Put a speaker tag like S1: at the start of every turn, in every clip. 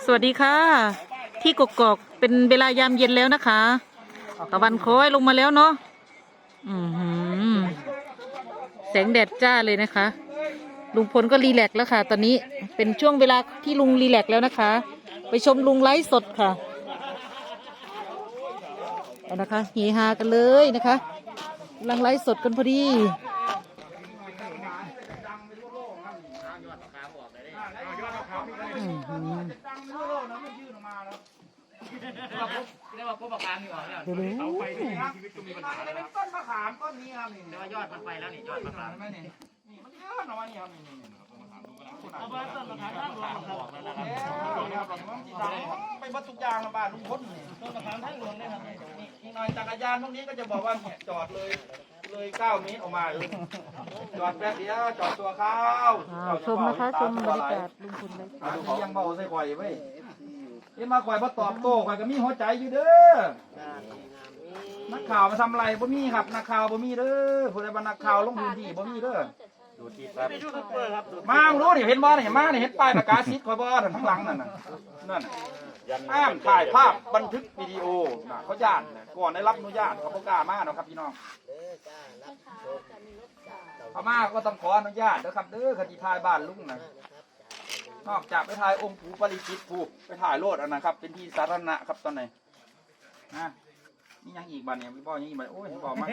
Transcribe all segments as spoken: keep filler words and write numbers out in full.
S1: สวัสดีค่ะ ที่กกอกเป็นเวลายามเย็นแล้วนะคะตะวันคอยลงมาแล้วเนาะอือหือแสงแดดจ้าเลยนะคะ ลุงพลก็รีแลกซ์แล้วค่ะ ตอนนี้เป็นช่วงเวลาที่ลุงรีแลกซ์แล้วนะคะ ไปชมลุงไลฟ์สดค่ะเอานะคะเฮฮากันเลยนะคะกำลังไลฟ์สดกันพอดีอือหือ
S2: เรียกว่าพวกประกันนี่หว่าเนี่ย
S1: ดูดู
S2: เอาไปในชีวิตก็มีปัญหาแล้วนะ
S3: ต้นมะขามต้นนี้ครับนี่
S2: แต่ว่ายอดมันไปแล้วนี่ยอดมะขาม
S3: นี่นี่มันเยอะหน่อยนี่ครับนี่นี่
S2: เอาไปต้นมะขามท่านหลวงบอกแล้วนะครับ
S3: ไปบัดทุกอย่างละบ้านลุงพลนี่
S2: ต้นมะขามท่านหลวงเนี่ยครับ
S3: นี่อีกหน่อยจักรยานพวกนี้ก็จะบอกว่าเนี่ยจอดเลยเลยเก้าเมตรออกมาเลยจอดแป๊บเดียวจอดตัวข้าว
S1: อ้าวชมนะคะชมบรรยากาศลุงพลเลย
S3: อันนี้ยังเบาใส่ข่อยไว้เอ็นมาข่อยมาตอบโต้ข่อยก็มีหัวใจอยู่เด้อนักข่าวมาทำอะไรบ่มีครับนักข่าวบ่มีเด้อผู้ใดบ่นักข่าวลงพื้นที่บ่มีเด้อ
S2: ไม่ยูทูบเบอร์ครับ
S3: มารู้ดิเห็นบ่เห็นมาเนี่ยเห็นป้ายประกาศสิทธิ์ข่อยบ่นั่นข้างหลังนั่นน่ะนั่นห้ามถ่ายภาพบันทึกวิดีโอน่ะเขาญาติก่อนได้รับอนุญาตเขาบ่กล้ามาเนาะครับพี่น้องเขามาก็ต้องขออนุญาตนะครับเด้อคดีถ่ายบ้านลุงน่ะนอกจากไปถ่ายองค์ปู่ปริจิตปู่ไปถ่ายโลดอันนะครับเป็นที่สาธารณะครับตอนไหนนะนี่ยังอีกบ้านเนี่ยพี่พ่อยังอีกบ้านโอ้ยพี่พ่อมาก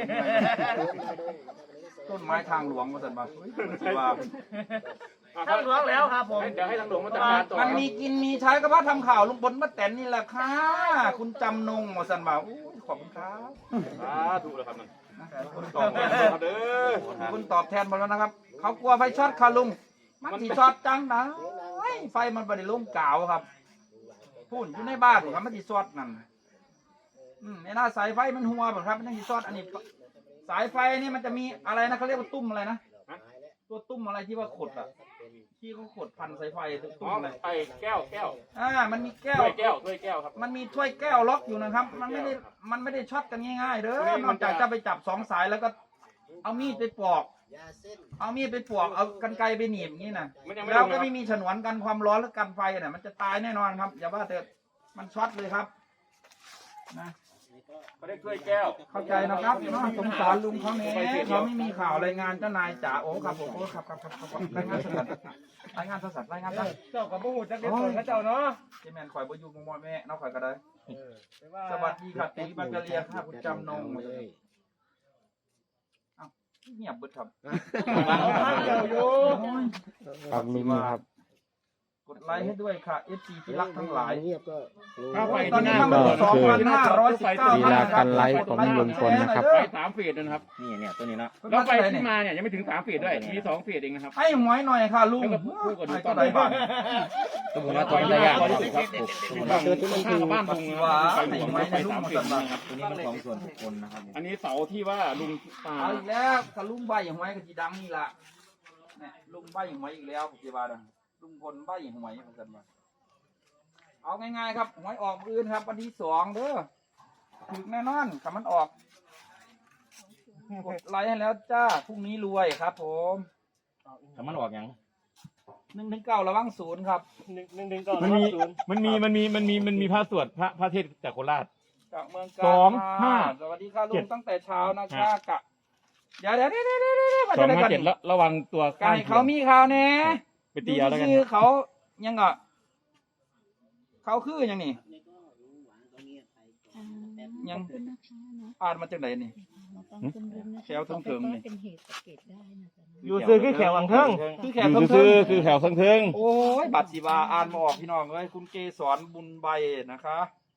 S3: ต้นไม้ทางหลวงมาสั่นมาสิว่า
S2: ทางหลวงแล้วครับผมเดี๋ยวให้ทางหลวงมาจัดการต่อ
S3: มันมีกินมีใช้ก็เพราะทำข่าวลุงพลป้าแตนนี่แหละค่ะคุณจำนงมาสั่นมาขอบคุณครับ
S2: ถูกแล้วครับนั่น
S3: คุณตอบแทนเด้อคุณตอบแทนหมดแล้วนะครับเขากลัวไฟช็อตค่ะลุงมันสีช็อตจังนะไฟมันไม่ได้ลงกาวครับพูนอยู่ในบ้านครับมันสีช็อตนั่นอืมในหน้าสายไฟมันหัวแบบครับมันยังสีช็อตอันนี้สายไฟนี่มันจะมีอะไรนะเขาเรียกว่าตุ้มอะไรนะตัวตุ้มอะไรที่ว่าขดอ่ะที่เขาขดพันสายไฟตุ้มอะไร
S2: ไอ้แก้วแก้ว
S3: อ่ามันมีแก้ว
S2: ถ้วยแก้วถ้วยแก้วครับ
S3: มันมีถ้วยแก้วล็อกอยู่นะครับ มันไม่ได้มันไม่ได้ช็อตกันง่ายๆเด้อนอกจากจะไปจับสองสายแล้วก็เอามีดไปปอกเอามีดไปปอกเอากรรไกรไปหนีบอย่างนี้นะแล้วก็ไม่มีฉนวนกันความร้อนหรือกันไฟน่ะมันจะตายแน่นอนครับอย่าว่าแต่มันช็อตเลยครับนะ
S2: เขาเรียกถ้วยแก้ว
S3: เข้าใจนะครับเนาะสงสารลุงเขาเนี่ยเขาไม่มีข่าวรายงานเจ้านายจ๋าโอ้ครับผมโอ้ครับครับครับครับรายงานสดรายงานสดรายงานสด
S2: เจ้ากับพวกหูจักเด็ดส่วนเขาเจ้าเนาะ
S3: เจแมนข่อยบ่อยู่มอแม่น้องข่อยก็ได้สวัสดีครับตีบังกะเลียค่ะคุณจำนงเอ้าเงียบเบิดครับ
S2: เจ้าอยู่
S4: ครับลุงครับ
S3: กดไลค์ให้ด้วยค่ะ เอฟ ซี ที่รักทั้งหลาย
S2: ข้าวไฟ
S3: ตอน
S2: ที่ห
S3: นี้
S2: น้า
S3: ทำสองพันห้าร้อยสิบเก้า
S4: ลีลาการไลฟ์ของลุงพลนะครับ
S2: ไฟสามฟีดนะครับนี่เนี่ยตัวนี้นะแล้วไฟที่มาเนี่ยยังไม่ถึงสามฟีดด้วยมีสองฟีดเองนะครับ
S3: ให้หวยหน่อยค่ะลุง
S2: แล้วก็พูดกับดู
S3: ให้
S2: ตอ
S3: เท่าน ไหร่บ้าง
S2: สมมติว่าตัวนี้ยากครับบ้านข้างบ้านลุงไฟหลวงไฟสามฟีดนะครับตัวนี้เป็นของส่วนบุคคลนะครับอันนี้เสาที่ว่าลุงตา
S3: เอาอีกแล้วถ้าลุงใบหวยก็จีดังนี่ล่ะเนี่ยลุงใบหวยอีกแล้วพี่บาดลุงพลใบหวยเหมือนกันมาเอาง่ายๆครับหวยออกอื่นครับวันที่สองเด้อถึงแน่นอนคำมันออกกดไลค์ให้แล้วจ้าพรุ่งนี้รวยครับผม
S2: คำมันออกยัง
S3: หนึ่งถึงเก้าระวังศูนย์ครับ
S2: หนึ่งหนึ่งหนึ่งก่อน
S5: มันมีมันมีมันมีมันมีมันมีพระสวดพระพระเทศจากโคราช
S3: จากเมืองกาญ
S5: สองห้า
S3: สวัสดีค่ะลุ
S5: เจ็
S3: ง
S5: ด
S3: ตั้งแต่เช้านะคะกะเดี๋ยวเดี๋ยวเดี๋ยวเดี๋ยวเดี๋ยวมา
S5: สอง
S3: จะได้
S5: ห้า
S3: กัน
S5: เจ็ดแล้วระวังตัว
S3: การเขามีข่าวแน่
S5: ไปตีเอาแล้วกัน
S3: ชื่อเขายังอ่ะเขาคือยังนี่ยังอ่านมาจากไหนนี่แถวเถิงๆนี่
S5: อยู่ซื้อคือแขวอังเทิง
S3: คือแข
S5: อก ยู่
S3: เถิ
S5: ซื้อง คือแขวสังเทิง
S3: ๆโอ้ยบัตรสีบาอ่านมาออกพี่น้องเลยคุณเกสรบุญใบนะคะ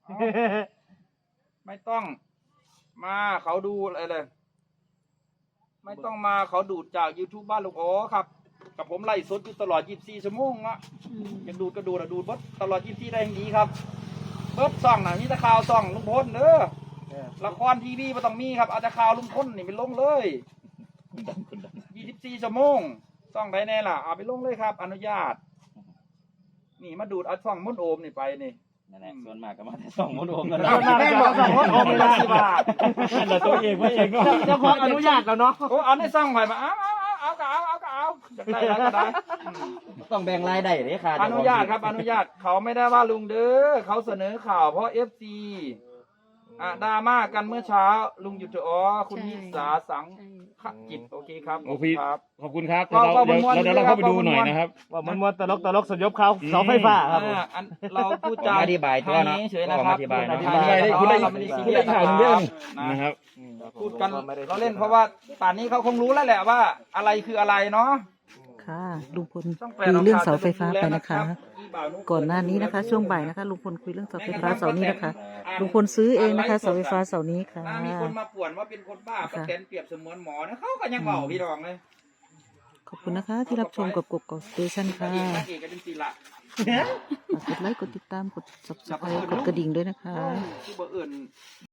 S3: ไม่ต้องมาเขาดูอะไรเลยไม่ต้องมาเขาดูดจาก YouTube บ้านลูกโอ้ครับกับผมไล่สดอยู่ตลอดยี่สิบสี่ชั่วโมงละอยากดูดกระดูดอะดูดเบิดตลอดยี่สิบสี่ได้อย่างนี้ครับเบิดซ่องน่ะนี่ตะข่าวซ่องลุงพลเด้อละครทีวีไม่ต้องมีครับเอาแต่ข่าวลุงพลนี่ไปลงเลยยี่สิบสี่ชั่วโมงซ่องไหนแน่ล่ะเอาไปลงเลยครับ อนุญาตนี่มาดูดเอาช่องมุนโอมนี่ไปนี่
S2: นั่นแหละส่วนมากก็มาแต่สองมดโอมกัน
S3: เอาแม่บอกสองคนโอมเลยสิบาท
S5: นั่นแหละตัวเองไม่เองก็
S1: เจ้าของอนุญาตแล้วเนาะ
S3: โอ้เอาในซ่องไปมาเอาเอาเอาเอาก็เอาเอาก็เอาอยากได้แล้วก็ได้อืม
S2: ต้องแบ่งรายได้เลยค่ะ
S3: อนุญาตครับอนุญาตเขาไม่ได้ว่าลุงเด้อเขาเสนอข่าวเพราะเอฟซีอ่ะดราม่ากันเมื่อเช้าลุงหยุดเถอะอ๋อคุณนิสาสังขจิตโอเคครับ
S5: โอพี่
S3: ครับ
S5: ขอบคุณครับ
S3: ก็
S5: เดี๋ยว
S3: ก็
S5: เรา
S3: ม้วนๆ
S5: เดี๋ยวเราเข้าไปดูหน่อย
S3: ม้วนๆ
S5: นะครับ
S6: ว่ามันว่าตลกตลกสยบเขาเสาไฟฟ้าครับผม
S3: อ่าอันเราพูดจา
S2: อธิบายตัวเนาะ
S3: ไทเฉยๆนะครับ
S2: อธิบายเนอะ
S3: อธิบาย
S5: คุณได้
S3: เราไม่ได้ซี
S5: คุณ
S3: เรีย
S5: ได้
S3: ส
S5: ข่าวเยอะนี่
S3: นะ
S5: นะครับ
S3: พูดกันเราเล่นเพราะว่าป่านนี้เขาคงรู้แล้วแหละว่า อะไรคืออะไรเนาะ
S1: ค่ะลุงพล
S3: ต้องแปล
S1: คุยเรื่องเสา
S3: ข่ว
S1: ไฟฟ้าไปนะคะ
S3: อีบ่าวนุ๊
S1: ก่อนหน้านี้นะคะ ช่วงบ่ายนะคะลุงพลคุยเรื่องเสาไฟฟ้าเสานี้นะคะลุงพลซื้อเองนะคะเสาไฟฟ้าเสานี้ค่ะ
S3: ถ้ามีคนมาป่วนว่าเป็นคนบ้า
S1: ค่ะ
S3: ป้าแตนเปรียบเสมือนหมอนะเขาก็ยังเบาพี่รองเลย
S1: ขอบคุณนะคะ ที่รับชมกับกกอกสเตชัน
S3: นาง
S1: ค่ะ
S3: เอกนางเอกกันจริงๆละ
S1: ฝากกดไลค์กดติดตามกด subscribe กดกระดิ่งด้วยนะคะ
S3: ที่บ่เอื่น